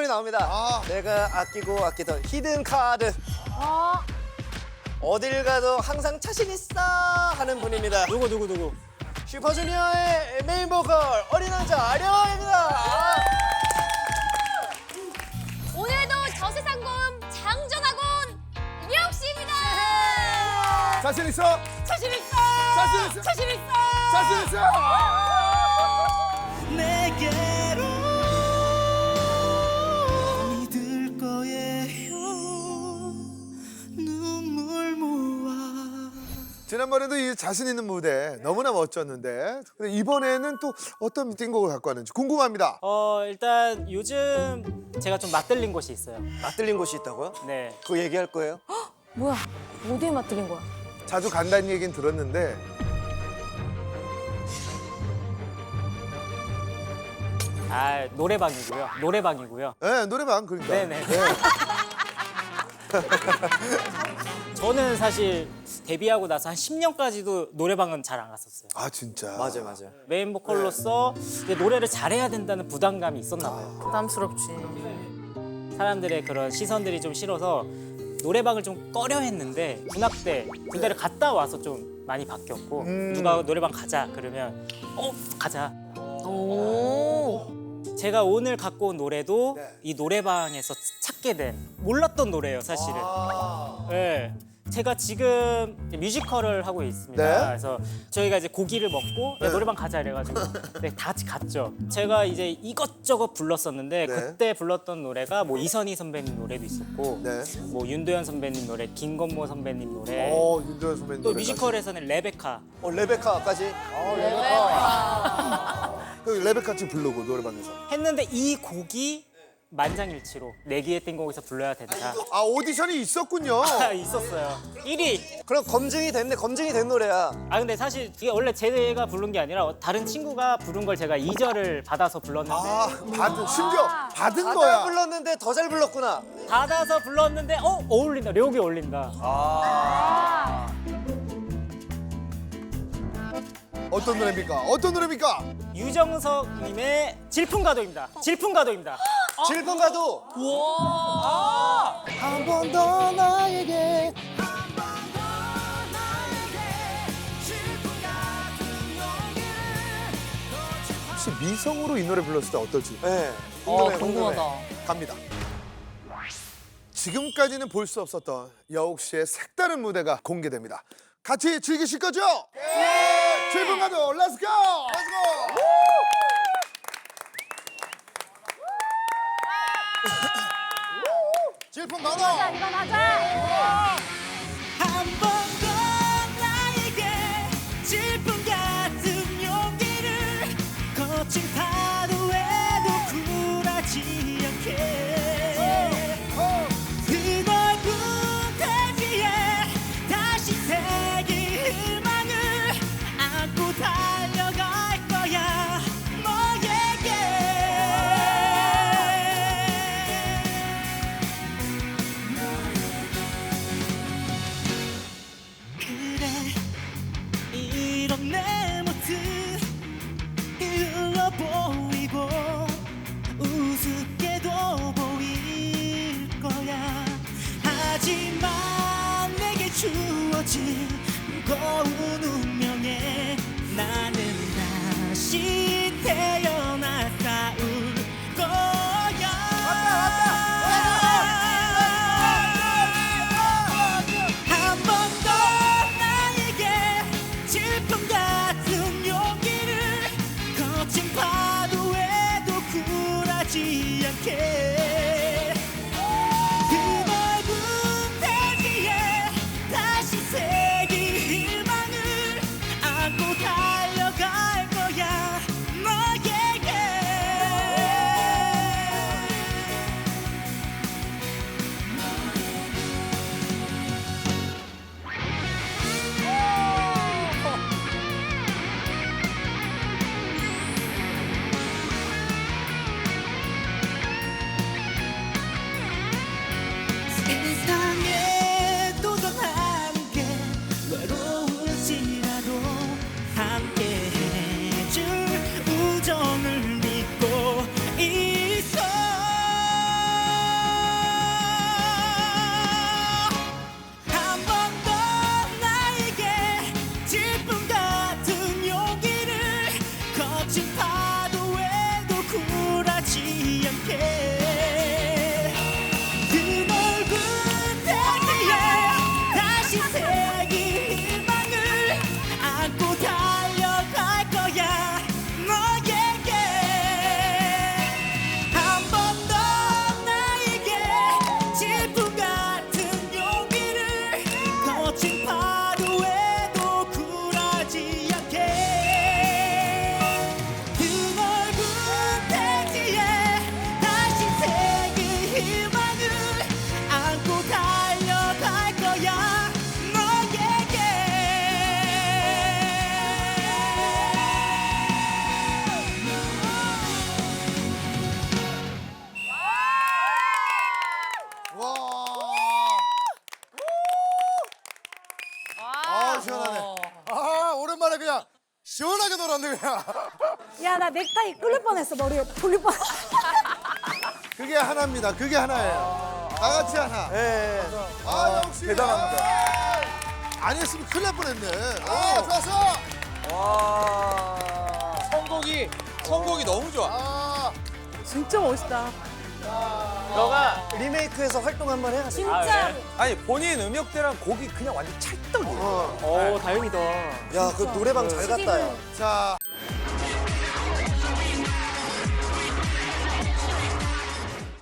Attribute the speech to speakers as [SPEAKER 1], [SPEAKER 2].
[SPEAKER 1] 나옵니다. 내가 아끼고 아끼던 히든 카드. 어딜 가도 항상 자신 있어 하는 분입니다.
[SPEAKER 2] 누구?
[SPEAKER 1] 슈퍼주니어의 메인 보컬 어린 왕자 아령입니다.
[SPEAKER 3] 오늘도 저세상 고음 장전하고 온 명 씨입니다.
[SPEAKER 4] 자신 있어?
[SPEAKER 3] 자신 있어.
[SPEAKER 4] 자신 있어?
[SPEAKER 3] 자신 있어.
[SPEAKER 4] 자신 있어?
[SPEAKER 5] 내게로 믿을 거예요. 눈물 모아.
[SPEAKER 4] 지난번에도 이 자신 있는 무대 너무나 멋졌는데 근데 이번에는 또 어떤 미팅곡을 갖고 왔는지 궁금합니다.
[SPEAKER 2] 일단 요즘 제가 좀 맛들린 곳이 있어요.
[SPEAKER 1] 맞들린 곳이 있다고요?
[SPEAKER 2] 네.
[SPEAKER 1] 그거 얘기할 거예요?
[SPEAKER 3] 뭐야? 어디에 맞들린 거야?
[SPEAKER 4] 자주 간다는 얘기는 들었는데
[SPEAKER 2] 노래방이고요.
[SPEAKER 4] 네, 노래방 그러니까.
[SPEAKER 2] 네네. 저는 사실 데뷔하고 나서 한 10년까지도 노래방은 잘 안 갔었어요.
[SPEAKER 4] 아 진짜.
[SPEAKER 1] 맞아요.
[SPEAKER 2] 메인 보컬로서 이제 노래를 잘해야 된다는 부담감이 있었나 봐요.
[SPEAKER 3] 부담스럽지.
[SPEAKER 2] 사람들의 그런 시선들이 좀 싫어서 노래방을 좀 꺼려 했는데 군합 때 군대를 갔다 와서 좀 많이 바뀌었고 누가 노래방 가자 그러면 가자. 제가 오늘 갖고 온 노래도 이 노래방에서 찾게 된 몰랐던 노래예요, 사실은. 네. 제가 지금 뮤지컬을 하고 있습니다.
[SPEAKER 4] 네.
[SPEAKER 2] 그래서 저희가 이제 고기를 먹고 야, 노래방 가자 이래가지고 네, 다 같이 갔죠. 제가 이제 이것저것 불렀었는데
[SPEAKER 4] 네.
[SPEAKER 2] 그때 불렀던 노래가 뭐 이선희 선배님 노래도 있었고
[SPEAKER 4] 네.
[SPEAKER 2] 뭐 윤도현 선배님 노래, 김건모 선배님 노래
[SPEAKER 4] 윤도현 선배님
[SPEAKER 2] 또
[SPEAKER 4] 노래까지.
[SPEAKER 2] 뮤지컬에서는 레베카
[SPEAKER 1] 레베카까지.
[SPEAKER 4] 그 레베카 씨 부르고 노래방에서.
[SPEAKER 2] 했는데 이 곡이 만장일치로 내기의 띵곡에서 불러야 된다.
[SPEAKER 4] 아 오디션이 있었군요.
[SPEAKER 2] 있었어요. 1위.
[SPEAKER 1] 그럼 검증이 됐네. 검증이 된 노래야.
[SPEAKER 2] 근데 사실 이게 원래 제가 부른 게 아니라 다른 친구가 부른 걸 제가 2절을 받아서 불렀는데
[SPEAKER 4] 심지어 받은
[SPEAKER 1] 다
[SPEAKER 4] 거야.
[SPEAKER 1] 불렀는데 더 잘 불렀구나.
[SPEAKER 2] 받아서 불렀는데 어울린다. 려욱이 어울린다.
[SPEAKER 4] 어떤 노래입니까? 어떤 노래입니까?
[SPEAKER 2] 유정석님의 질풍가도입니다. 질풍가도입니다.
[SPEAKER 1] 질풍가도.
[SPEAKER 4] 한 번 더 나에게. 혹시 미성으로 이 노래 불렀을 때 어떨지
[SPEAKER 1] 네. 궁금해.
[SPEAKER 4] 갑니다. 지금까지는 볼 수 없었던 여욱 씨의 색다른 무대가 공개됩니다. 같이 즐기실 거죠? 네! 질풍가도 렛츠고! 렛츠고! 질풍가도!
[SPEAKER 3] 이건 하자.
[SPEAKER 5] 한 번 더 나에게 질풍 같은 용기를 거친 파도에도 굴하지 않게 그 넓은 대지에 다시 새긴 희망을 안고 달려갈 거야 너에게 그래 이런 내 모습 흘러 보이고 우습게도 보일 거야 하지만 내게 주어진 무거운 운명에 나는 다시 태어나 싸울 거야 한 번 더 나에게 질풍 같은 용기를 거친 파도에도 굴하지 않게 그 넓은 대지에 다시 새긴 희망을 안고 달려갈 거야 너에게
[SPEAKER 4] 신나게 놀았네 그냥.
[SPEAKER 3] 야, 나 넥타이 끌릴 뻔했어. 머리에 돌릴 뻔.
[SPEAKER 4] 그게 하나입니다. 그게 하나예요. 다 같이 하나.
[SPEAKER 1] 예.
[SPEAKER 4] 아 역시
[SPEAKER 1] 대단합니다.
[SPEAKER 4] 안 했으면 큰일 날 뻔했네. 아 좋았어.
[SPEAKER 1] 와. 선곡이 너무 좋아.
[SPEAKER 4] 아
[SPEAKER 3] 진짜 멋있다.
[SPEAKER 1] 너가 리메이크해서 활동 한번 해야 돼.
[SPEAKER 3] 진짜.
[SPEAKER 1] 아니 본인 음역대랑 곡이 그냥 완전 찰떡이야.
[SPEAKER 2] 오 다행이다.
[SPEAKER 1] 야, 그 노래방 잘 갔다 야.
[SPEAKER 4] 자